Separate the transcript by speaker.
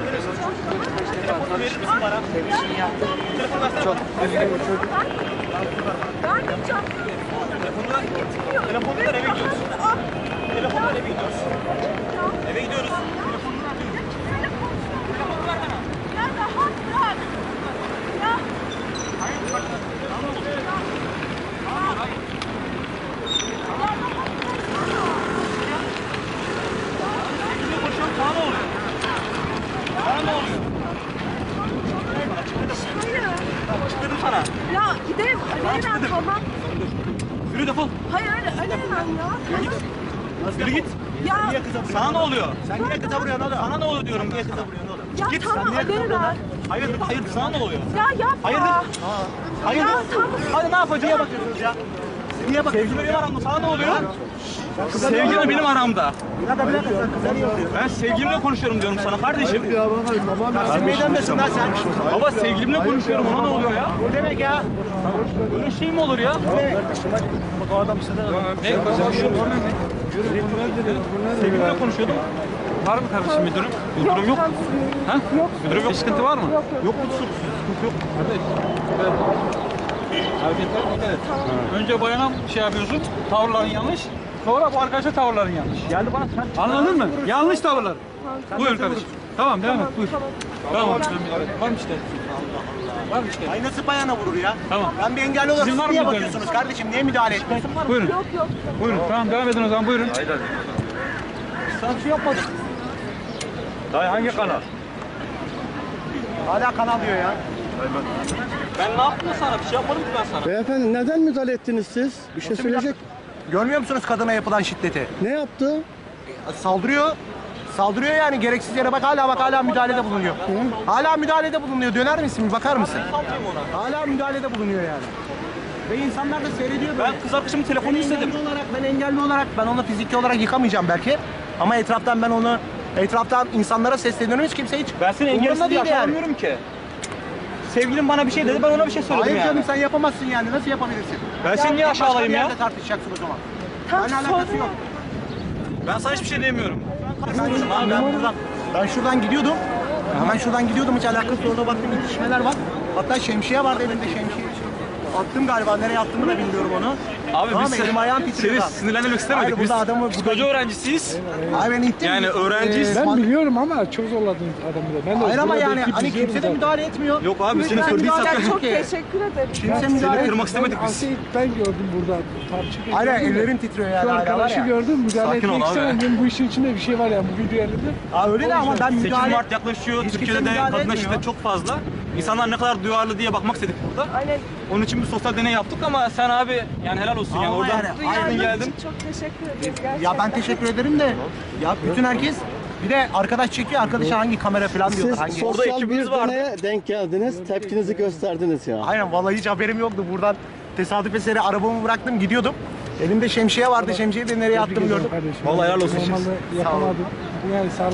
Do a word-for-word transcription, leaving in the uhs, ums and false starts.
Speaker 1: Telefonu verir misin bana? Telefonu versene. Çok üzgün bir çocuk. Telefonu ver. Telefonu ver, eve gidiyoruz. Telefonu ver, eve gidiyoruz. Eve gidiyoruz. Telefonunu ver. Telefonu ver bana.
Speaker 2: Ya rahat bırak. Ya.
Speaker 1: Hayır, bak. Tamam olur. Tamam olur, hayır. Sevgilimle konuşuyorum, sana ne oluyor? Sana ne oluyor?
Speaker 2: Hayır.
Speaker 1: Açıkladım sana.
Speaker 2: Ya gidelim. Aleyna tamam.
Speaker 1: Yürü defol.
Speaker 2: Hayır öyle Aleyna ya.
Speaker 1: Yürü git. Yürü git.
Speaker 2: Ya.
Speaker 1: Sana ne oluyor? Sen niye kıza vuruyorsun oğlum? Sana ne oluyor diyorum, niye kıza vuruyorsun oğlum?
Speaker 2: Ya
Speaker 1: Git.
Speaker 2: tamam
Speaker 1: Sen niye kıza
Speaker 2: Aleyna.
Speaker 1: vuruyorsun? Hayır, hayır, sana ne oluyor?
Speaker 2: Ya yapma.
Speaker 1: Hayırdır? Hayırdır?
Speaker 2: Ya tamam.
Speaker 1: Hadi ne yapacağız? Niye bakıyorsunuz ya? Niye bakıyorsunuz? Sevgilim benim aramda, sana ne oluyor? Sevgilim benim aramda.
Speaker 3: Bir dakika bir dakika sen kıza niye vuruyorsun?
Speaker 1: Ben sevgilimle konuşuyorum diyorum sana kardeşim.
Speaker 3: Ya bana tamam ya. Sen meydandesin lan sen.
Speaker 1: Baba sevgilimle konuşuyorum, ona ne oluyor ya?
Speaker 3: O demek ya.
Speaker 1: Böyle şey mi olur ya?
Speaker 3: Bak o adam size de.
Speaker 1: Ne? Konuşuyorum. Sevgilimle konuşuyordum. Var mı kardeşim bir durum? Bir durum yok. Ha? Yok. Bir durum yok. Bir sıkıntı var mı? Yok yok. Yok mu sıkıntı yok? Kardeş. Hareketler dikkat et. Önce bayana şey yapıyorsun, tavırların yanlış. Sonra bu arkadaşa tavırların yanlış.
Speaker 3: Geldi bana sen.
Speaker 1: Anladın mı? Yanlış tavırlar. Buyur kardeşim. Tamam devam et buyur. Tamam. Var mı işte? Var mı işte?
Speaker 3: Ay nasıl bayana vurur ya?
Speaker 1: Tamam.
Speaker 3: Ben bir engelli olarak
Speaker 1: Sizin
Speaker 3: siz
Speaker 1: var mı
Speaker 3: niye
Speaker 1: müdahaleniz?
Speaker 3: bakıyorsunuz kardeşim? Niye müdahale etmiyorsun?
Speaker 1: Buyurun.
Speaker 2: Yok yok.
Speaker 1: Buyurun. Tamam devam edin o zaman buyurun.
Speaker 3: Sen şey yapmadın.
Speaker 1: Dayı hangi kanal?
Speaker 3: Hala kanal diyor ya.
Speaker 1: Ben ne yaptım sana? Bir şey yapmadım ki ben sana.
Speaker 4: Beyefendi neden müdahale ettiniz siz? Bir şey söyleyecek.
Speaker 3: Görmüyor musunuz kadına yapılan şiddeti?
Speaker 4: Ne yaptı?
Speaker 3: Saldırıyor. Saldırıyor yani gereksiz yere bak hala bak hala müdahalede bulunuyor. Hala müdahalede bulunuyor. Döner misin? Bir bakar mısın? Hala müdahalede bulunuyor yani. Ve insanlar da seyrediyor böyle.
Speaker 1: Ben kız arkadaşımın telefonunu
Speaker 3: Ben
Speaker 1: istedim.
Speaker 3: engelli olarak, ben engelli olarak ben onu fiziki olarak yıkamayacağım belki. Ama etraftan ben onu etraftan insanlara sesleniyorum hiç kimse hiç.
Speaker 1: Ben seni
Speaker 3: umurunda
Speaker 1: engelsiz diye
Speaker 3: değil yani.
Speaker 1: aşağılamıyorum ki. Sevgilim bana bir şey dedi, ben ona bir şey söyledim
Speaker 3: Hayır
Speaker 1: yani.
Speaker 3: canım sen yapamazsın yani. Nasıl yapabilirsin?
Speaker 1: Ben seni niye
Speaker 3: Başka
Speaker 1: aşağılayayım
Speaker 3: bir
Speaker 1: ya?
Speaker 3: yerde tartışacaksın o zaman.
Speaker 2: Tam
Speaker 3: Benimle alakası
Speaker 2: sonra.
Speaker 3: yok.
Speaker 1: Ben sana hiçbir şey demiyorum.
Speaker 3: Karışmıyorsun abi ben buradan. Ben şuradan gidiyordum. Ben şuradan gidiyordum hiç alakası orada baktım itişmeler var. Hatta şemsiye vardı elinde şemsiye. Attım galiba nereye attığımı da bilmiyorum onu.
Speaker 1: Abi
Speaker 3: Tamam,
Speaker 1: biz
Speaker 3: elim ayağım
Speaker 1: seni,
Speaker 3: titriyor.
Speaker 1: seni sinirlendirmek istemedik.
Speaker 3: Hayır,
Speaker 1: Biz
Speaker 3: burada adamı-
Speaker 1: psikoloji öğrencisiyiz.
Speaker 3: Ay ben ittim.
Speaker 1: Yani öğrenciyiz.
Speaker 5: Ben biliyorum ama çok zorladınız adamı da. Ben de
Speaker 3: Hayır ama
Speaker 5: burada
Speaker 3: yani
Speaker 5: ekip
Speaker 3: hani
Speaker 5: izliyorum
Speaker 3: kimse de
Speaker 5: zaten.
Speaker 3: müdahale etmiyor.
Speaker 1: Yok abi seni
Speaker 3: Ben
Speaker 1: söylediysem.
Speaker 3: müdahale
Speaker 2: Ya çok
Speaker 3: ki.
Speaker 2: teşekkür ederim.
Speaker 3: Kimse
Speaker 1: Seni
Speaker 3: müdahale
Speaker 1: kırmak istemedik
Speaker 5: Ben,
Speaker 1: biz.
Speaker 5: Asya'yı ben gördüm burada tartışırken.
Speaker 3: Aynen
Speaker 5: gördüm de.
Speaker 3: ellerim titriyor yani.
Speaker 5: Şu
Speaker 3: hala var
Speaker 5: arkadaşı
Speaker 3: ya.
Speaker 5: gördüm müdahale
Speaker 1: Sakin ol
Speaker 5: etmek
Speaker 1: abi.
Speaker 5: istemem. Benim bu işin içinde bir şey var yani bu video yerinde.
Speaker 3: Aa, öyle de ama ben
Speaker 1: sekiz
Speaker 3: müdahale...
Speaker 1: Mart yaklaşıyor.
Speaker 3: Hiç
Speaker 1: Türkiye'de
Speaker 3: kimse
Speaker 1: de
Speaker 3: müdahale
Speaker 1: kadına
Speaker 3: etmiyor.
Speaker 1: şiddet çok fazla. İnsanlar ne kadar duyarlı diye bakmak istedik burada.
Speaker 2: Aynen.
Speaker 1: Onun için bir sosyal deney yaptık ama sen abi yani helal olsun yani
Speaker 3: Ama
Speaker 1: oradan
Speaker 3: yani,
Speaker 1: çıktın
Speaker 3: aynen
Speaker 1: geldin.
Speaker 2: için çok teşekkür ederiz gerçekten.
Speaker 3: Ya ben teşekkür ederim de ya bütün herkes bir de arkadaş çekiyor arkadaşa hangi kamera falan diyorlar
Speaker 4: Siz
Speaker 3: hangi.
Speaker 1: Orada
Speaker 4: sosyal
Speaker 1: ekibimiz
Speaker 4: bir
Speaker 1: vardı.
Speaker 4: deneye denk geldiniz. Tepkinizi gösterdiniz ya.
Speaker 3: Aynen vallahi hiç haberim yoktu buradan tesadüf eseri arabamı bıraktım gidiyordum. Elimde şemsiye vardı şemsiyeyi de nereye attım gördüm.
Speaker 5: Kardeşim.
Speaker 1: Vallahi helal olsun.
Speaker 5: Normalde yapamadım. Yani sağlık